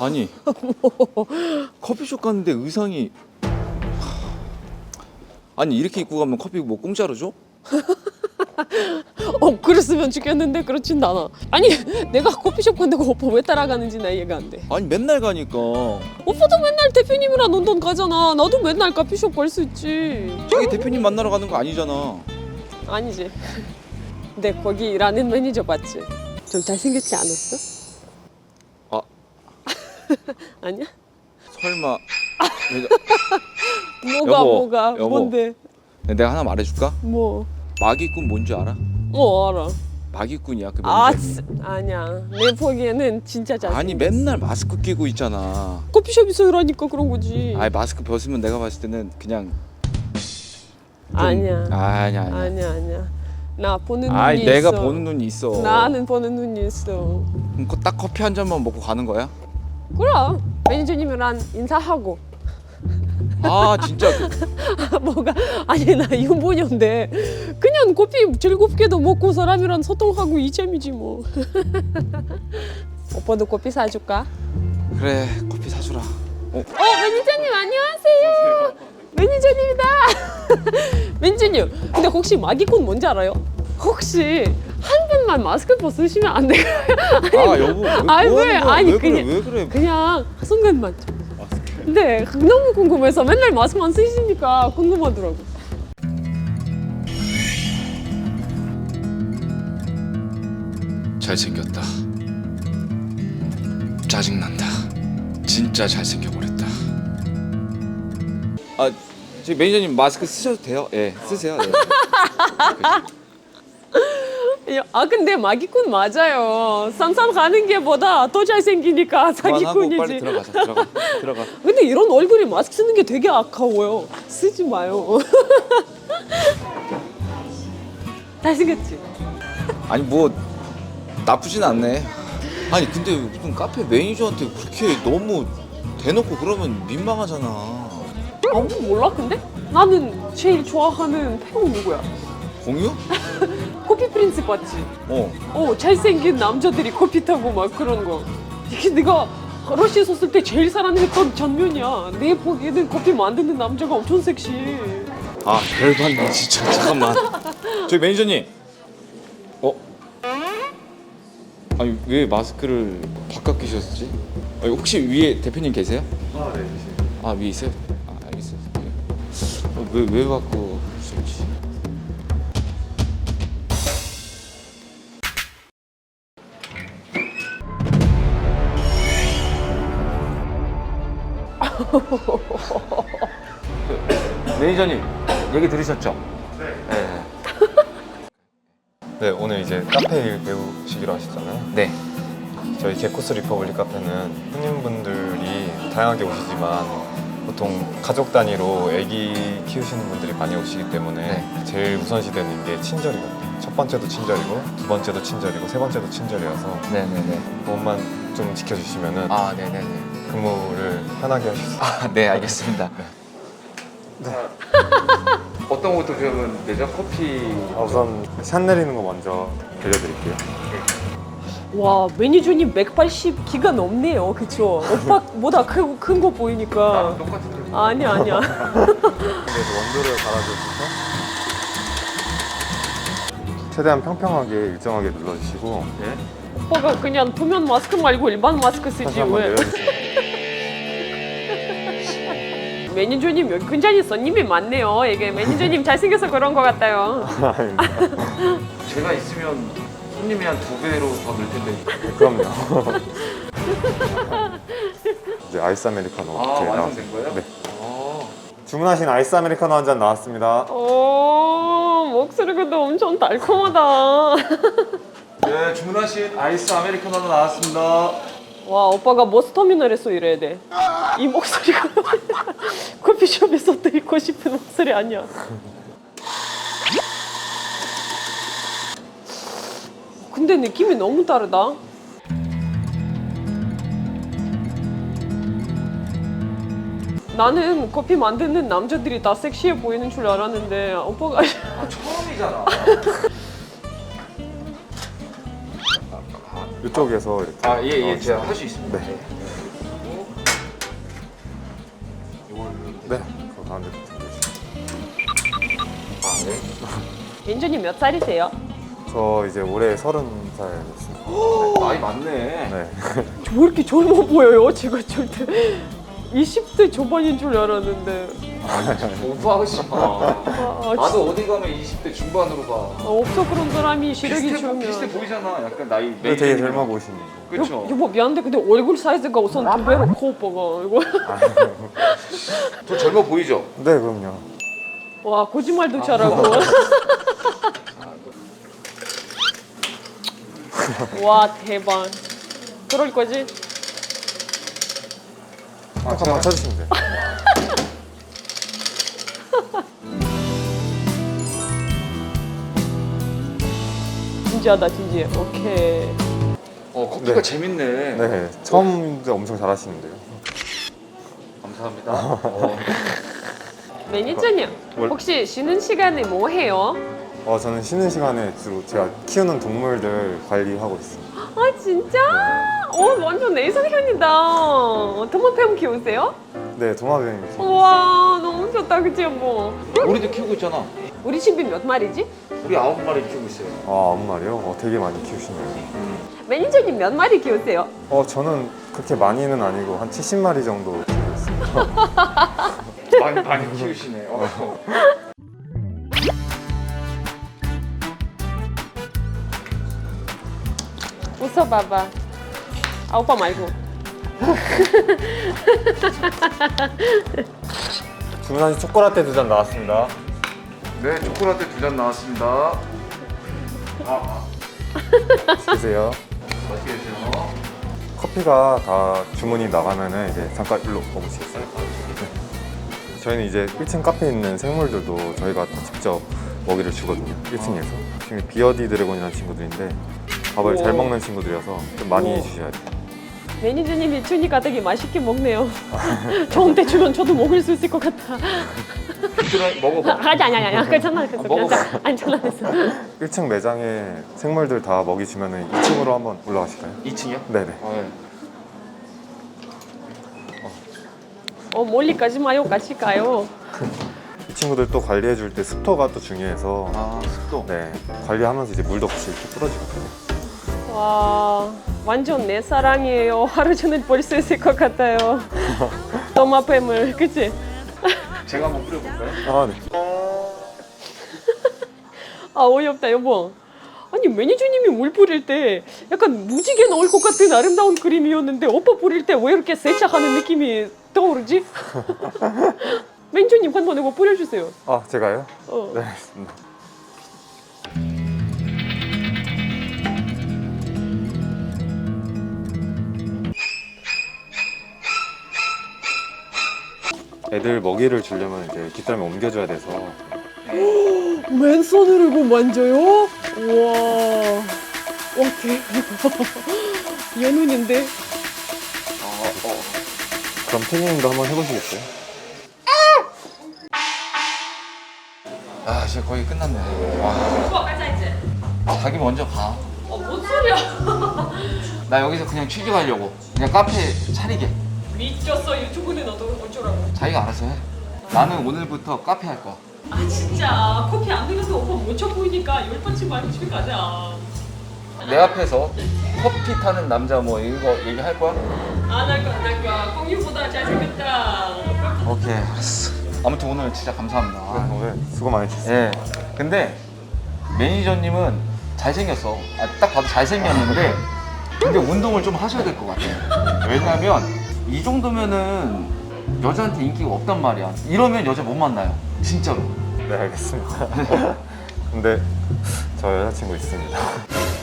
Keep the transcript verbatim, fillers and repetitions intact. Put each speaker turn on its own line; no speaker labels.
아니
뭐.
커피숍 갔는데 의상이 아니 이렇게 입고 가면 커피 뭐 공짜로 줘?
어 그랬으면 좋겠는데 그렇진 않아. 아니 내가 커피숍 간다고 오빠 왜 따라가는지 나 이해가 안 돼.
아니 맨날 가니까.
오빠도 맨날 대표님이랑 런던 가잖아. 나도 맨날 커피숍 갈 수 있지.
저기 대표님 만나러 가는 거 아니잖아.
아니지. 근데 거기 일하는 매니저 봤지? 좀 잘생겼지 않았어?
아
아니야?
설마
뭐가
여보,
뭐가
여보.
뭔데?
내가 하나 말해줄까?
뭐?
마기꾼 뭔지 알아?
어 알아.
마기꾼이야 그
아
매니저님.
쓰- 아니야. 내 보기에는 진짜 잘생겼어.
아니 맨날 마스크 끼고 있잖아.
커피숍에서 일하니까 그런 거지.
아니 마스크 벗으면 내가 봤을 때는 그냥 좀-
아니야.
아니야 아니야.
아니야 아니야. 나 보는 눈이
아니
있어.
내가 보는 눈이 있어.
나는 보는 눈이 있어.
그럼 그딱 커피 한 잔만 먹고 가는 거야?
그럼 매니저님이랑 인사하고.
아 진짜 그-
뭐가 아니 나 유부녀인데 그냥 커피 즐겁게도 먹고 사람이랑 소통하고 이 재미지 뭐. 오빠도 커피 사줄까?
그래 커피 사주라. 어?
어 매니저님 안녕하세요. 매니저님이다. 매니저님 근데 혹시 마기꾼 뭔지 알아요? 혹시 한 번만 마스크 벗으시면 안 돼요?
아 여보 왜,
아니,
뭐
왜?
하는 거야?
아니,
왜 그래
그냥-
왜 그래?
그냥 순간만 좀.
마스크.
근데 너무 궁금해서 맨날 마스크만 쓰시니까 궁금하더라고.
잘생겼다. 짜증난다. 진짜 잘생겨버렸다. 아, 저기 매니저님 마스크 쓰셔도 돼요? 예, 쓰세요. 예.
아 근데 마기꾼 맞아요. 산산 가는 게 보다 더 잘생기니까
그만하고
사기꾼이지.
빨리 들어가자. 들어가. 들어가.
근데 이런 얼굴에 마스크 쓰는 게 되게 아까워요. 쓰지 마요. 잘생겼지?
아니 뭐 나쁘진 않네. 아니 근데 무슨 카페 매니저한테 그렇게 너무 대놓고 그러면 민망하잖아.
아무 몰라 근데? 나는 제일 좋아하는 배우 누구야?
공유?
커피 프린스 봤지?
어.
어 잘생긴 남자들이 커피 타고 막 그런 거. 이게 내가 러시아 있었을 때 제일 사랑했던 장면이야. 내 보기에는 커피 만드는 남자가 엄청 섹시해.
아 열받네 진짜. 잠깐만. 저희 매니저님. 어? 아니 왜 마스크를 바깥 끼셨지? 아니, 혹시 위에 대표님 계세요?
아, 네.
아 위에 있어요? 아 알겠어요. 어, 왜왜 바꿔 주셨지? 매니저님 얘기 들으셨죠? 네.
네, 오늘 이제 카페 일 배우시기로 하셨잖아요.
네.
저희 제코스 리퍼블릭 카페는 손님분들이 다양하게 오시지만 보통 가족 단위로 아기 키우시는 분들이 많이 오시기 때문에
네.
제일 우선시되는 게 친절이거든요. 첫 번째도 친절이고 두 번째도 친절이고 세 번째도 친절이어서
네네네.
그것만 좀 지켜주시면은
아 네네네.
근무를 편하게 하실 수 있어요.
아, 네 알겠습니다. 네. 어떤 것도 그러면 되죠? 커피.
아, 우선 샷 내리는 거 먼저 들려드릴게요.
와 매니저님 백팔십 키가 넘네요. 그쵸? 오빠보다 큰 거 보이니까.
똑같은데.
아니야 아니야.
그래서 원두를 갈아주셔서 최대한 평평하게 일정하게 눌러주시고
네.
오빠가 그냥 표면 마스크 말고 일반 마스크 쓰지
다시 한번
왜?
내려주세요.
매니저님 여기 굉장히 손님이 많네요. 이게 매니저님 잘생겨서 그런 것 같아요.
아닙니다.
제가 있으면 손님이 한 두 배로 더 늘 텐데.
그럼요. 이제 아이스 아메리카노
아
이렇게
완성된 거예요?
네.
아.
주문하신 아이스 아메리카노 한 잔 나왔습니다.
오 목소리가 또 엄청 달콤하다.
네 주문하신 아이스 아메리카노 나왔습니다.
와 오빠가 버스터미널에서 일해야 돼. 이 목소리가 커피숍에서 듣고 싶은 목소리 아니야. 근데 느낌이 너무 다르다. 나는 커피 만드는 남자들이 다 섹시해 보이는 줄 알았는데 오빠가
아 처음이잖아.
이쪽에서 이렇게
아 예 예
넣어주시면
제가 할 수 있습니다.
네. 네, 그 가운데부터.
아 네?
매니저님 몇 살이세요?
저 이제 올해 서른 살 됐습니다.
나이 많네.
네.
저 왜 이렇게 젊어 보여요? 제가 절대 이십 대 초반인 줄 알았는데.
오버하지 마.
아,
나도 어디 가면 이십 대 중반으로 봐.
아, 없어 그런 사람이 시력이
비슷해,
좋으면.
비슷해 보이잖아. 약간 나이.
근데 되게 젊어 보이시네요.
그렇죠.
여보 미안한데 근데 얼굴 사이즈가 우선 두 배로 커 오빠가 이거.
더 젊어 보이죠?
네, 그럼요.
와 거짓말도 잘하고. 와 대박. 그럴 거지?
아, 잠깐만 쳐주시면 돼요.
진지하다 진지해. 오케이.
어 커피가
네.
재밌네.
네, 처음인데 엄청 잘하시는데요.
감사합니다. 어.
매니저님
뭘-
혹시 쉬는 시간에 뭐 해요?
어, 저는 쉬는 시간에 주로 제가 키우는 동물들 관리하고 있습니다.
아 진짜? 어 완전 내 이상형이다. 도마뱀 키우세요?
네, 도마뱀.
우와 너무 좋다 그치 뭐.
우리도 키우고 있잖아.
우리 집이 몇 마리지?
우리 아홉 마리 키우고 있어요.
아, 아홉 마리요? 어, 되게 많이 키우시네요.
매니저님 몇 마리 키우세요?
어, 저는 그렇게 많이는 아니고 한 칠십 마리 정도 키우고 있습니다.
많이 많이 키우시네. 어.
웃어봐봐. 아 오빠 말고.
주문하신 초코라떼 두 잔 나왔습니다.
네 초콜릿 두 잔 나왔습니다. 아,
드세요.
맛있게 드세요.
커피가 다 주문이 나가면은 이제 잠깐 일로 와보시겠어요? 네. 저희는 이제 일 층 카페에 있는 생물들도 저희가 직접 먹이를 주거든요. 일 층에서. 지금 비어디 드래곤이라는 친구들인데 밥을 잘
우와.
먹는 친구들이어서 좀 많이
우와.
주셔야 돼요.
매니저님이 주니까 되게 맛있게 먹네요. 저한테 주면 저도 먹을 수 있을 것 같아.
들어 먹어봐.
아니 아니 아니 괜찮아 괜찮아
먹어봐.
괜찮아. 아니 괜찮아.
일 층 매장에 생물들 다 먹이 주면은 이 층으로 한번 올라가실까요?
이 층이요?
네네.
아, 네.
어 멀리까지 마요 같이 가요.
이 친구들 또 관리해 줄 때 습도가 또 중요해서
아 습도.
네 관리하면서 이제 물도 같이 이렇게 뿌려지거든요.
와 완전 내 사랑이에요. 하루 종일 볼 수 있을 것 같아요. 도마뱀을 그치?
제가 한번 뿌려볼까요?
아 네.
아 어이없다 여보. 아니 매니저님이 물 뿌릴 때 약간 무지개 나올 것 같은 아름다운 그림이었는데 오빠 뿌릴 때 왜 이렇게 세차하는 느낌이 떠오르지? 매니저님 한번 이거 뿌려주세요.
아 제가요?
어.
네 알겠습니다. 애들 먹이를 주려면 이제 뒷덜미 옮겨줘야 돼서
맨손으로 이거 만져요? 우와. 와 대박. 연운인데?
어, 어.
그럼 태닝도 한번 해보시겠어요?
아 진짜 거의 끝났네. 와.
오빠 가자 이제.
자기 먼저 가.
어, 뭔 소리야?
나 여기서 그냥 취직하려고. 그냥 카페 차리게.
미쳤어 유튜브는 너도 어쩌라고.
자기가 알아서 해. 나는 오늘부터 카페 할 거야.
아 진짜 커피 안 내려도 오빠 못쳐 보이니까 열 번씩 말고 집에 가자.
내 앞에서 커피 타는 남자 뭐 이거 얘기할 거야?
안 할 거야 안 할 거야. 공유보다 잘생겼다.
오케이 알았어. 아무튼 오늘 진짜 감사합니다. 아,
오늘 수고 많으셨어요.
예. 근데 매니저님은 잘생겼어. 아, 딱 봐도 잘생겼는데 근데 운동을 좀 하셔야 될 것 같아. 왜냐면 이 정도면은 여자한테 인기가 없단 말이야. 이러면 여자 못 만나요. 진짜로.
네 알겠습니다. 근데 저 여자친구 있습니다.